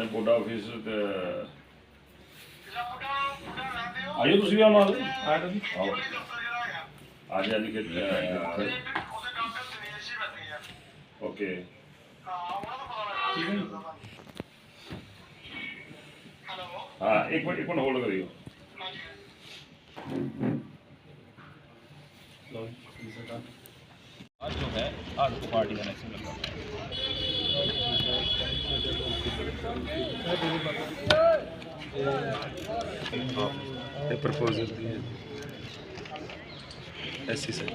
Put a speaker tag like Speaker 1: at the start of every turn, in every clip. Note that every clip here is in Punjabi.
Speaker 1: ਕੋਟਾ ਆਫਿਸ ਤੇ ਆਇਓ ਤੁਸੀਂ ਵੀ ਆਉਣਾ ਆਇਆ ਤੁਸੀਂ ਆਓ ਆ ਜਾ ਨਹੀਂ ਕਿ ਓਕੇ ठीक है हाँ एक मिनट होल्ड करियो आज जो है आज को पार्टी का नेक्स्ट लगा
Speaker 2: है प्रपोजल दिए ऐसी सर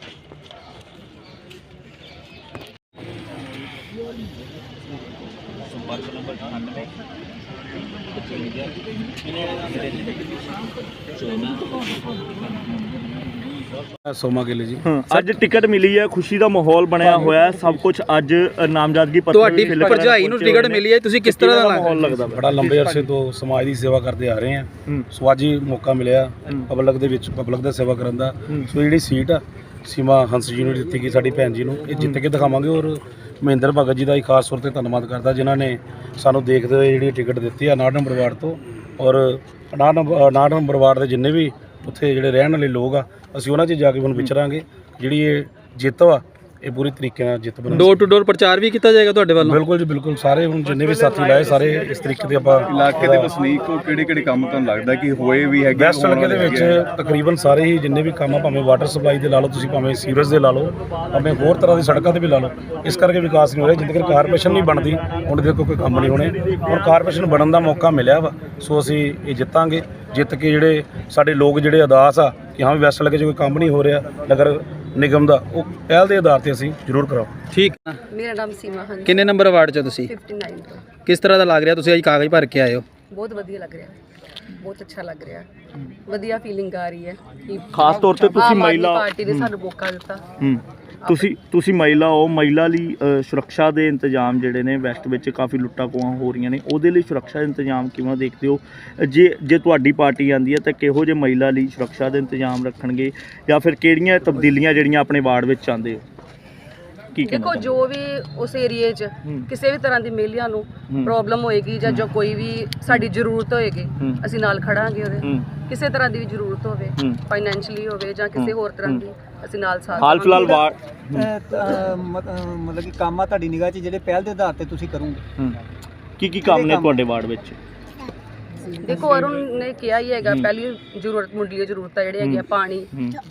Speaker 1: संपर्क नंबर 98
Speaker 2: सोमा गिल जी
Speaker 3: ਅੱਜ ਟਿਕਟ ਮਿਲੀ ਹੈ, ਖੁਸ਼ੀ ਦਾ ਮਾਹੌਲ ਬਣਿਆ ਹੋਇਆ ਹੈ, ਸਭ ਕੁਝ ਅੱਜ ਨਾਮਜ਼ਦਗੀ ਪੱਤਰ
Speaker 4: ਤੁਹਾਡੀ ਭਰਜਾਈ ਨੂੰ ਟਿਕਟ ਮਿਲੀ ਹੈ, ਤੁਸੀਂ ਕਿਸ ਤਰ੍ਹਾਂ ਦਾ
Speaker 3: ਮਾਹੌਲ ਲੱਗਦਾ?
Speaker 2: ਬੜਾ ਲੰਬੇ ਅਰਸੇ ਤੋਂ ਸਮਾਜ ਦੀ ਸੇਵਾ ਕਰਦੇ ਆ ਰਹੇ ਹਾਂ, ਸੋ ਅੱਜ ਹੀ ਮੌਕਾ ਮਿਲਿਆ ਪਬਲਿਕ ਦੇ ਵਿੱਚ ਪਬਲਿਕ ਦਾ ਸੇਵਾ ਕਰਨ ਦਾ। ਸੋ ਜਿਹੜੀ ਸੀਟ ਆ ਸੀਮਾ ਹੰਸ ਜੀ ਨੂੰ ਦਿੱਤੀ ਗਈ, ਸਾਡੀ ਭੈਣ ਜੀ ਨੂੰ, ਇਹ ਜਿੱਤ ਕੇ ਦਿਖਾਵਾਂਗੇ। ਔਰ ਮਹਿੰਦਰ ਭਗਤ ਜੀ ਦਾ ਖਾਸ ਤੌਰ ਤੇ ਧੰਨਵਾਦ ਕਰਦਾ ਜਿਨ੍ਹਾਂ ਨੇ ਸਾਨੂੰ ਦੇਖਦੇ ਹੋਏ ਜਿਹੜੀ ਟਿਕਟ ਦਿੱਤੀ ਆ 59 ਨੰਬਰ ਵਾਰਡ ਤੋਂ। ਔਰ 59 ਨੰਬਰ ਵਾਰਡ ਦੇ ਜਿੰਨੇ ਵੀ ਉੱਥੇ ਜਿਹੜੇ ਰਹਿਣ ਵਾਲੇ ਲੋਕ ਆ, ਅਸੀਂ ਉਹਨਾਂ 'ਚ ਜਾ ਕੇ ਹੁਣ ਵਿਚਰਾਂਗੇ। ਜਿਹੜੀ ਇਹ ਜਿੱਤ ਵਾ ਇਹ ਪੂਰੀ ਤਰੀਕੇ ਨਾਲ ਜਿੱਤ ਬਣਾ।
Speaker 4: ਡੋਰ ਟੂ ਡੋਰ ਪ੍ਰਚਾਰ ਵੀ ਕੀਤਾ ਜਾਏਗਾ ਤੁਹਾਡੇ ਵੱਲੋਂ?
Speaker 2: ਬਿਲਕੁਲ ਜੀ ਬਿਲਕੁਲ, ਸਾਰੇ ਹੁਣ ਜਿੰਨੇ ਵੀ ਸਾਥੀ ਲਾਏ ਸਾਰੇ ਇਸ ਤਰੀਕੇ ਦੇ ਆਪਾਂ
Speaker 5: ਇਲਾਕੇ ਦੇ ਵਸਨੀਕ ਕੋ ਕਿਹੜੇ ਕੰਮ ਤੁਹਾਨੂੰ ਲੱਗਦਾ ਕਿ ਹੋਏ ਵੀ ਹੈਗੇ?
Speaker 2: ਵੈਸਟ ਹਲਕੇ ਦੇ ਵਿੱਚ ਤਕਰੀਬਨ ਸਾਰੇ ਹੀ ਜਿੰਨੇ ਵੀ ਕੰਮ ਆ, ਭਾਵੇਂ ਵਾਟਰ ਸਪਲਾਈ ਦੇ ਲਾ ਲਓ ਤੁਸੀਂ, ਭਾਵੇਂ ਸੀਵਰੇਜ ਦੇ ਲਾ ਲਓ, ਭਾਵੇਂ ਹੋਰ ਤਰ੍ਹਾਂ ਦੀ ਸੜਕਾਂ ਦੇ ਵੀ ਲਾ ਲਓ, ਇਸ ਕਰਕੇ ਵਿਕਾਸ ਨਹੀਂ ਹੋ ਰਿਹਾ। ਜਿੰਨੇ ਤੱਕ ਕਾਰਪੋਰੇਸ਼ਨ ਨਹੀਂ ਬਣਦੀ ਹੁਣ ਦੇਖੋ ਕੋਈ ਕੰਮ ਨਹੀਂ ਹੋਣੇ। ਹੁਣ ਕਾਰਪੋਰੇਸ਼ਨ ਬਣਨ ਦਾ ਮੌਕਾ ਮਿਲਿਆ ਵਾ, ਸੋ ਅਸੀਂ ਇਹ ਜਿੱਤਾਂਗੇ। ਜਿੱਤ ਕੇ ਜਿਹੜੇ ਸਾਡੇ ਲੋਕ ਜਿਹੜੇ ਅਦਾਸ ਆ ਕਿ ਹਾਂ ਵੈਸਟ ਹਲਕੇ 'ਚ ਕੋਈ ਕੰਮ ਨਹੀਂ ਹੋ ਰਿਹਾ ਨਗਰ ਨਿਗਮ ਦਾ, ਉਹ ਪਹਿਲ ਦੇ ਆਧਾਰ ਤੇ ਅਸੀਂ ਜ਼ਰੂਰ ਕਰਾਓ।
Speaker 4: ਠੀਕ।
Speaker 6: ਮੇਰਾ ਨਾਮ ਸੀਮਾ ਹੰਸ।
Speaker 4: ਕਿੰਨੇ ਨੰਬਰ ਵਾਰਡ 'ਚ ਤੁਸੀਂ?
Speaker 6: 59 ਤੋਂ।
Speaker 4: ਕਿਸ ਤਰ੍ਹਾਂ ਦਾ ਲੱਗ ਰਿਹਾ ਤੁਸੀਂ ਅੱਜ ਕਾਗਜ਼ ਭਰ ਕੇ ਆਏ ਹੋ?
Speaker 6: ਬਹੁਤ ਵਧੀਆ ਲੱਗ ਰਿਹਾ, ਬਹੁਤ ਅੱਛਾ ਲੱਗ ਰਿਹਾ, ਵਧੀਆ ਫੀਲਿੰਗ ਆ ਰਹੀ ਹੈ ਕਿ
Speaker 3: ਖਾਸ ਤੌਰ ਤੇ ਤੁਸੀਂ ਮਹਿਲਾ
Speaker 6: ਪਾਰਟੀ ਨੇ ਸਾਨੂੰ ਮੌਕਾ ਦਿੱਤਾ।
Speaker 3: ਤੁਸੀਂ ਮਹਿਲਾ ਹੋ, ਮਹਿਲਾ ਲਈ ਸੁਰੱਖਿਆ ਦੇ ਇੰਤਜ਼ਾਮ ਜਿਹੜੇ ਨੇ ਵੈਸਟ ਵਿੱਚ ਕਾਫੀ ਲੁੱਟਾਂ ਖੋਹਾਂ ਹੋ ਰਹੀਆਂ ਨੇ, ਉਹਦੇ ਲਈ ਸੁਰੱਖਿਆ ਦੇ ਇੰਤਜ਼ਾਮ ਕਿਵੇਂ ਦੇਖਦੇ ਹੋ? ਜੇ ਤੁਹਾਡੀ ਪਾਰਟੀ ਆਉਂਦੀ ਹੈ ਤਾਂ ਕਿਹੋ ਜਿਹੇ ਮਹਿਲਾ ਲਈ ਸੁਰੱਖਿਆ ਦੇ ਇੰਤਜ਼ਾਮ ਰੱਖਣਗੇ, ਜਾਂ ਫਿਰ ਕਿਹੜੀਆਂ ਤਬਦੀਲੀਆਂ ਜਿਹੜੀਆਂ ਆਪਣੇ ਵਾਰਡ ਵਿੱਚ ਚਾਹੁੰਦੇ ਹੋ?
Speaker 6: ਦੇਖੋ ਜੋ ਵੀ ਉਸ ਏਰੀਏ 'ਚ ਕਿਸੇ ਵੀ ਤਰ੍ਹਾਂ ਦੀ ਮਹਿਲਾ ਨੂੰ ਪ੍ਰੋਬਲਮ ਹੋਏਗੀ ਜਾਂ ਜੋ ਕੋਈ ਵੀ ਸਾਡੀ ਜ਼ਰੂਰਤ ਹੋਏਗੀ ਅਸੀਂ ਨਾਲ ਖੜਾਂਗੇ ਉਹਦੇ। ਕਿਸੇ ਤਰ੍ਹਾਂ ਦੀ ਵੀ ਜ਼ਰੂਰਤ ਹੋਵੇ, ਫਾਈਨੈਂਸ਼ੀਅਲੀ ਹੋਵੇ ਜਾਂ ਕਿਸੇ ਹੋਰ ਤਰ੍ਹਾਂ ਦੀ, ਅਸੀਂ ਨਾਲ ਸਾਥ।
Speaker 3: ਹਾਲ ਫਿਲਹਾਲ ਵਾਰਡ
Speaker 7: ਮਤਲਬ ਕਿ ਕੰਮ ਆ ਤੁਹਾਡੀ ਨਿਗਾਹ 'ਚ ਜਿਹੜੇ ਪਹਿਲ ਦੇ ਆਧਾਰ ਤੇ ਤੁਸੀਂ ਕਰੋਗੇ?
Speaker 3: ਕੀ ਕੰਮ ਨੇ ਤੁਹਾਡੇ ਵਾਰਡ ਵਿੱਚ?
Speaker 6: ਦੇਖੋ ਅਰੁਣ ਨੇ ਕਿਹਾ ਹੀ ਹੈਗਾ, ਪਹਿਲੀ ਜ਼ਰੂਰਤ ਮੁੱਢਲੀ ਜ਼ਰੂਰਤ ਜਿਹੜੀ ਹੈਗੀ ਆ ਪਾਣੀ,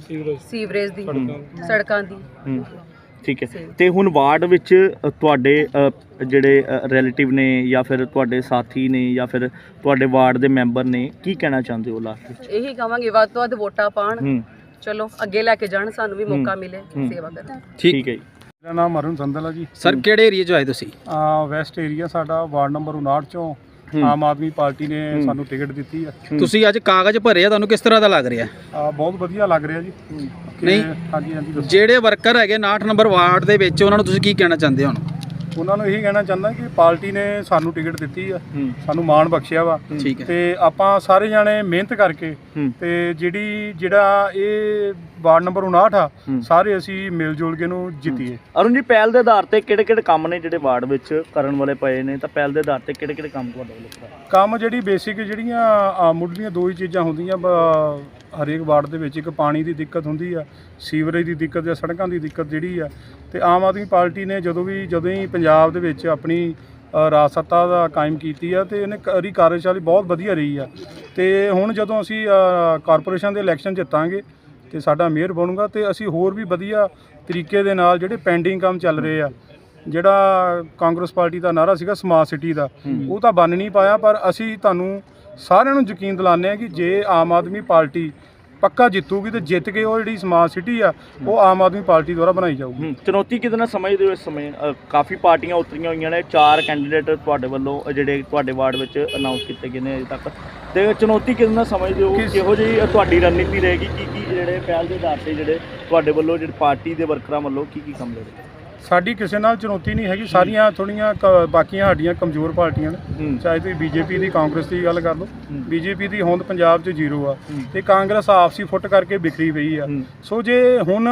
Speaker 6: ਸੀਵਰੇਜ ਦੀ, ਸੜਕਾਂ ਦੀ।
Speaker 3: ਠੀਕ ਹੈ। ਤੇ ਹੁਣ ਵਾਰਡ ਵਿੱਚ ਤੁਹਾਡੇ ਜਿਹੜੇ ਰਿਲੇਟਿਵ ਨੇ ਜਾਂ ਫਿਰ ਤੁਹਾਡੇ ਸਾਥੀ ਨੇ ਜਾਂ ਫਿਰ ਤੁਹਾਡੇ ਵਾਰਡ ਦੇ ਮੈਂਬਰ ਨੇ, ਕੀ ਕਹਿਣਾ ਚਾਹੁੰਦੇ ਹੋ ਲਾਸਟ ਵਿੱਚ?
Speaker 6: ਇਹੀ ਕਹਾਂਗੇ ਵੱਧ ਤੋਂ ਵੱਧ ਵੋਟਾਂ ਪਾਣ, ਚਲੋ ਅੱਗੇ ਲੈ ਕੇ ਜਾਣ, ਸਾਨੂੰ ਵੀ ਮੌਕਾ ਮਿਲੇ ਸੇਵਾ ਕਰਨ ਦਾ।
Speaker 4: ਠੀਕ
Speaker 3: ਹੈ ਜੀ।
Speaker 2: ਮੇਰਾ ਨਾਮ ਅਰੁਣ ਸੰਦਲ ਆ ਜੀ।
Speaker 4: ਸਰ ਕਿਹੜੇ ਏਰੀਆ 'ਚ ਆਏ ਤੁਸੀਂ?
Speaker 2: ਵੈਸਟ ਏਰੀਆ ਸਾਡਾ ਵਾਰਡ ਨੰਬਰ 59 ਚੋਂ ਆਮ ਆਦਮੀ ਪਾਰਟੀ ਨੇ ਸਾਨੂੰ ਟਿਕਟ ਦਿੱਤੀ ਆ।
Speaker 4: ਤੁਸੀਂ ਅੱਜ ਕਾਗਜ਼ ਭਰੇ ਆ, ਤੁਹਾਨੂੰ ਕਿਸ ਤਰ੍ਹਾਂ ਦਾ ਲੱਗ ਰਿਹਾ?
Speaker 2: ਬਹੁਤ ਵਧੀਆ ਲੱਗ ਰਿਹਾ ਜੀ।
Speaker 4: ਨਹੀਂ,
Speaker 2: ਹਾਂਜੀ ਹਾਂਜੀ ਦੱਸੋ।
Speaker 4: ਜਿਹੜੇ ਵਰਕਰ ਹੈਗੇ 59 ਨੰਬਰ ਵਾਰਡ ਦੇ ਵਿੱਚ, ਉਹਨਾਂ ਨੂੰ ਤੁਸੀਂ ਕੀ ਕਹਿਣਾ ਚਾਹੁੰਦੇ ਹੋ?
Speaker 2: ਉਹਨਾਂ ਨੂੰ ਇਹੀ ਕਹਿਣਾ ਚਾਹੁੰਦਾ ਕਿ ਪਾਰਟੀ ਨੇ ਸਾਨੂੰ ਟਿਕਟ ਦਿੱਤੀ ਆ, ਸਾਨੂੰ ਮਾਣ ਬਖਸ਼ਿਆ ਵਾ,
Speaker 4: ਠੀਕ ਹੈ।
Speaker 2: ਤੇ ਆਪਾਂ ਸਾਰੇ ਜਾਣੇ ਮਿਹਨਤ ਕਰਕੇ ਤੇ ਜਿਹੜਾ ਇਹ ਵਾਰਡ ਨੰਬਰ 59 ਆ, ਸਾਰੇ ਅਸੀਂ ਮਿਲ ਜੁਲ ਕੇ ਨੂੰ ਜਿੱਤੀਏ।
Speaker 3: ਅਰੁਣ ਜੀ, ਪਹਿਲ ਦੇ ਆਧਾਰ ਤੇ ਕਿਹੜੇ ਕੰਮ ਨੇ ਜਿਹੜੇ ਵਾਰਡ ਵਿੱਚ ਕਰਨ ਵਾਲੇ ਪਏ ਨੇ, ਤਾਂ ਪਹਿਲ ਦੇ ਆਧਾਰ ਤੇ ਕਿਹੜੇ ਕੰਮ ਤੁਹਾਡੇ ਵੱਲੋਂ?
Speaker 2: ਕੰਮ ਜਿਹੜੀ ਬੇਸਿਕ ਜਿਹੜੀਆਂ ਮੁੱਢਲੀਆਂ ਦੋ ਹੀ ਚੀਜ਼ਾਂ ਹੁੰਦੀਆਂ ਹਰੇਕ ਵਾਰਡ ਦੇ ਵਿੱਚ, ਇੱਕ ਪਾਣੀ ਦੀ ਦਿੱਕਤ ਹੁੰਦੀ ਆ, ਸੀਵਰੇਜ ਦੀ ਦਿੱਕਤ ਜਾਂ ਸੜਕਾਂ ਦੀ ਦਿੱਕਤ ਜਿਹੜੀ ਆ। ਤੇ ਆਮ ਆਦਮੀ ਪਾਰਟੀ ਨੇ ਜਦੋਂ ਹੀ ਪੰਜਾਬ ਦੇ ਵਿੱਚ ਆਪਣੀ ਰਾਜ ਸੱਤਾ ਦਾ ਕਾਇਮ ਕੀਤੀ ਆ, ਤੇ ਇਹਨੇ ਕਾਰਜਸ਼ਾਲੀ ਬਹੁਤ ਵਧੀਆ ਰਹੀ ਆ। ਤੇ ਹੁਣ ਜਦੋਂ ਅਸੀਂ ਕਾਰਪੋਰੇਸ਼ਨ ਦੇ ਇਲੈਕਸ਼ਨ ਜਿੱਤਾਂਗੇ ਤੇ ਸਾਡਾ ਮੇਅਰ ਬਣੂਗਾ, ਤੇ ਅਸੀਂ ਹੋਰ ਵੀ ਵਧੀਆ ਤਰੀਕੇ ਦੇ ਨਾਲ ਜਿਹੜੇ ਪੈਂਡਿੰਗ ਕੰਮ ਚੱਲ ਰਹੇ ਆ, ਜਿਹੜਾ ਕਾਂਗਰਸ ਪਾਰਟੀ ਦਾ ਨਾਰਾ ਸੀਗਾ ਸਮਾਰਟ ਸਿਟੀ ਦਾ, ਉਹ ਤਾਂ ਬਣ ਨਹੀਂ ਪਾਇਆ, ਪਰ ਅਸੀਂ ਤੁਹਾਨੂੰ ਸਾਰਿਆਂ ਨੂੰ ਯਕੀਨ ਦਿਲਾਉਂਦੇ ਹਾਂ ਕਿ ਜੇ ਆਮ ਆਦਮੀ ਪਾਰਟੀ ਪੱਕਾ ਜਿੱਤੂਗੀ ਤੇ ਜਿੱਤ ਕੇ ਉਹ ਜਿਹੜੀ ਸਮਾਰਟ ਸਿਟੀ ਆ ਉਹ ਆਮ ਆਦਮੀ ਪਾਰਟੀ ਦੁਆਰਾ ਬਣਾਈ ਜਾਊਗੀ।
Speaker 3: ਚੁਣੌਤੀ ਕਿਹਦੇ ਨਾਲ ਸਮਝਦੇ ਹੋ ਇਸ ਸਮੇਂ? ਕਾਫੀ ਪਾਰਟੀਆਂ ਉਤਰੀਆਂ ਹੋਈਆਂ ਨੇ, 4 ਕੈਂਡੀਡੇਟ ਤੁਹਾਡੇ ਵੱਲੋਂ ਜਿਹੜੇ ਤੁਹਾਡੇ ਵਾਰਡ ਵਿੱਚ ਅਨਾਉਂਸ ਕੀਤੇ ਗਏ ਨੇ ਅਜੇ ਤੱਕ, ਤੇ ਚੁਣੌਤੀ ਕਿਹਦੇ ਨਾਲ ਸਮਝਦੇ ਹੋ? ਕਿਹੋ ਜਿਹੀ ਤੁਹਾਡੀ ਰਣਨੀਤੀ ਰਹੇਗੀ? ਕੀ ਜਿਹੜੇ ਪਹਿਲ ਦੇ ਆਧਾਰ ਤੇ ਜਿਹੜੇ ਤੁਹਾਡੇ ਵੱਲੋਂ ਜਿਹੜੇ ਪਾਰਟੀ ਦੇ ਵਰਕਰਾਂ ਵੱਲੋਂ ਕੀ ਕੰਮ ਲੜੇ?
Speaker 2: ਸਾਡੀ ਕਿਸੇ ਨਾਲ ਚੁਣੌਤੀ ਨਹੀਂ ਹੈਗੀ, ਸਾਰੀਆਂ ਥੋੜ੍ਹੀਆਂ ਬਾਕੀਆਂ ਸਾਡੀਆਂ ਕਮਜ਼ੋਰ ਪਾਰਟੀਆਂ ਨੇ। ਚਾਹੇ ਤੁਸੀਂ ਬੀਜੇਪੀ ਦੀ, ਕਾਂਗਰਸ ਦੀ ਗੱਲ ਕਰ ਲਓ, ਬੀਜੇਪੀ ਦੀ ਹੋਂਦ ਪੰਜਾਬ 'ਚ 0 ਆ, ਤੇ ਕਾਂਗਰਸ ਆਪਸੀ ਫੁੱਟ ਕਰਕੇ ਬਿਖਰੀ ਪਈ ਆ। ਸੋ ਜੇ ਹੁਣ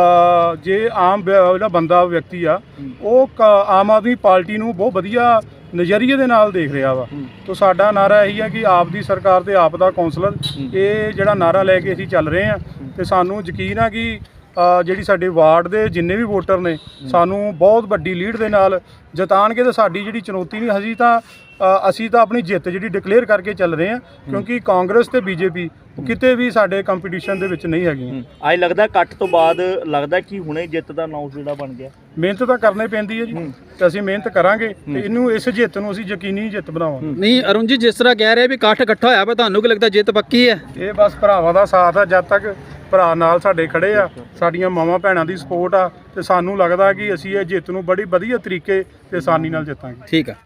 Speaker 2: ਜੇ ਆਮ ਜਿਹੜਾ ਬੰਦਾ ਵਿਅਕਤੀ ਆ ਉਹ ਆਮ ਆਦਮੀ ਪਾਰਟੀ ਨੂੰ ਬਹੁਤ ਵਧੀਆ ਨਜ਼ਰੀਏ ਦੇ ਨਾਲ ਦੇਖ ਰਿਹਾ ਵਾ। ਤੋ ਸਾਡਾ ਨਾਰਾ ਇਹੀ ਹੈ ਕਿ ਆਪ ਦੀ ਸਰਕਾਰ ਤੇ ਆਪ ਦਾ ਕੌਂਸਲਰ, ਇਹ ਜਿਹੜਾ ਨਾਰਾ ਲੈ ਕੇ ਅਸੀਂ ਚੱਲ ਰਹੇ ਹਾਂ ਤੇ ਸਾਨੂੰ ਯਕੀਨ ਆ ਕਿ ਜਿਹੜੀ ਸਾਡੇ ਵਾਰਡ ਦੇ ਜਿੰਨੇ ਵੀ ਵੋਟਰ ਨੇ ਸਾਨੂੰ ਬਹੁਤ ਵੱਡੀ ਲੀਡ ਦੇ ਨਾਲ ਜਿਤਾਣਗੇ। ਤੇ ਸਾਡੀ ਜਿਹੜੀ ਚੁਣੌਤੀ ਨਹੀਂ, ਅਸੀਂ ਤਾਂ ਆਪਣੀ ਜਿੱਤ ਜਿਹੜੀ ਡਿਕਲੇਅਰ ਕਰਕੇ ਚੱਲ ਰਹੇ ਹਾਂ, ਕਿਉਂਕਿ ਕਾਂਗਰਸ ਤੇ ਬੀਜੇਪੀ ਕਿਤੇ ਵੀ ਸਾਡੇ ਕੰਪੀਟੀਸ਼ਨ ਦੇ ਵਿੱਚ ਨਹੀਂ ਹੈਗੀਆਂ।
Speaker 3: ਅੱਜ ਲੱਗਦਾ ਕੱਟ ਤੋਂ ਬਾਅਦ ਲੱਗਦਾ ਕਿ ਹੁਣੇ ਜਿੱਤ ਦਾ ਅਨਾਉਂਸ ਜਿਹੜਾ ਬਣ ਗਿਆ।
Speaker 2: ਮਿਹਨਤ ਤਾਂ ਕਰਨੀ ਪੈਂਦੀ ਹੈ ਜੀ, ਤੇ ਅਸੀਂ ਮਿਹਨਤ ਕਰਾਂਗੇ ਤੇ ਇਹਨੂੰ ਇਸ ਜਿੱਤ ਨੂੰ ਅਸੀਂ ਯਕੀਨੀ ਜਿੱਤ ਬਣਾਵਾਂਗੇ।
Speaker 4: ਨਹੀਂ ਅਰੁਣ ਜੀ, ਜਿਸ ਤਰ੍ਹਾਂ ਕਹਿ ਰਹੇ ਵੀ ਇਕੱਠ ਇਕੱਠਾ ਹੋਇਆ ਪਰ ਤੁਹਾਨੂੰ ਕੀ ਲੱਗਦਾ ਜਿੱਤ ਪੱਕੀ ਹੈ?
Speaker 2: ਇਹ ਬਸ ਭਰਾਵਾਂ ਦਾ ਸਾਥ ਆ, ਜਦ ਤੱਕ ਭਰਾ ਨਾਲ ਸਾਡੇ ਖੜੇ ਆ, ਸਾਡੀਆਂ ਮਾਵਾਂ ਭੈਣਾਂ ਦੀ ਸਪੋਰਟ ਆ, ਤੇ ਸਾਨੂੰ ਲੱਗਦਾ ਕਿ ਅਸੀਂ ਇਹ ਜਿੱਤ ਨੂੰ ਬੜੀ ਵਧੀਆ ਤਰੀਕੇ ਤੇ ਆਸਾਨੀ ਨਾਲ ਜਿੱਤਾਂਗੇ।
Speaker 4: ਠੀਕ ਆ।